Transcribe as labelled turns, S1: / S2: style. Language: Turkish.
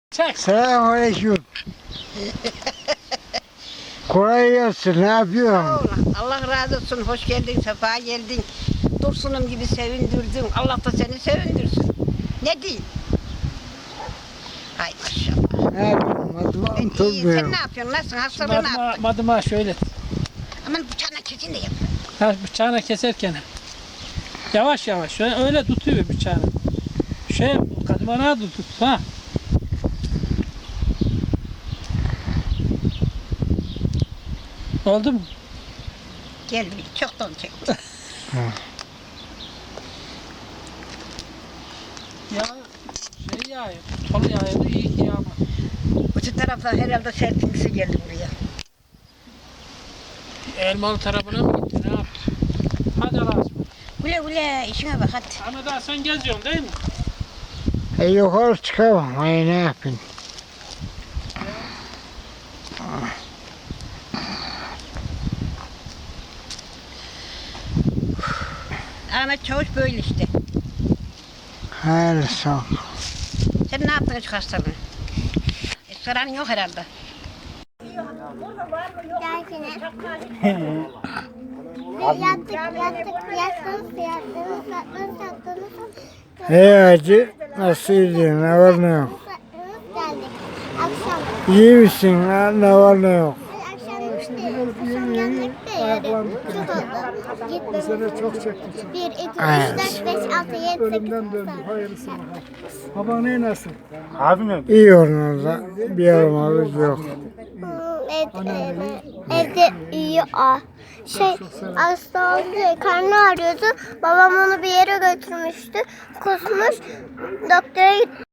S1: Çek.
S2: Selamünaleyküm. Kolay gelsin. Ne yapıyorsun?
S3: Allah razı olsun. Hoş geldin, sefa geldin. Dursunum gibi sevindirdin. Allah da seni sevindirsin. Ne diyeyim? Hay maşallah.
S2: Ne yapıyorsun? Madıma
S3: İyi, sen
S2: oturmuyorum.
S3: ne yapıyorsun? Nasılsın? Hastalığı ne yaptın?
S1: Madıma şöyle.
S3: Aman bıçağına kesin de yap.
S1: Ha, bıçağına keserken. Yavaş yavaş. Öyle tutuyor bıçağını. Kadımana tut. Ha. Oldu mu?
S3: Gel bir çoktan çektim.
S1: Ya yağıyor. Tolu yağıyordu. İyi ki yağmadı.
S3: Öte taraftan herhalde serpintisi geldi buraya.
S1: Elmalı tarafına mı gitti? Ne yaptı? Hadi Allah'a ısmarladık.
S3: Güle güle işine bak hadi.
S1: Ama daha sen geziyorsun değil mi?
S2: Yukarı çıkamam. Ay ne yapayım?
S3: Ahmet Çavuş böyle işte.
S2: Hayır sağ ol.
S3: Sen ne yaptın şu hastalığını? Saran yok herhalde.
S2: Hacı nasıl gidiyorsun? Ne var ne yok? İyi misin? Ne var ne yok?
S4: Bu sene çok çektim.
S5: 1, 2, 3, 4, 5, 6, 7, 8,
S4: Ölümden döndüm. Hayırlısı bakalım. Baban nasıl?
S2: İyi onlarda. Bir yaramazlık yok.
S5: Evde iyi o. Hasta oldu, karnı ağrıyordu. Babam onu bir yere götürmüştü. Kusmuş, doktora gitti.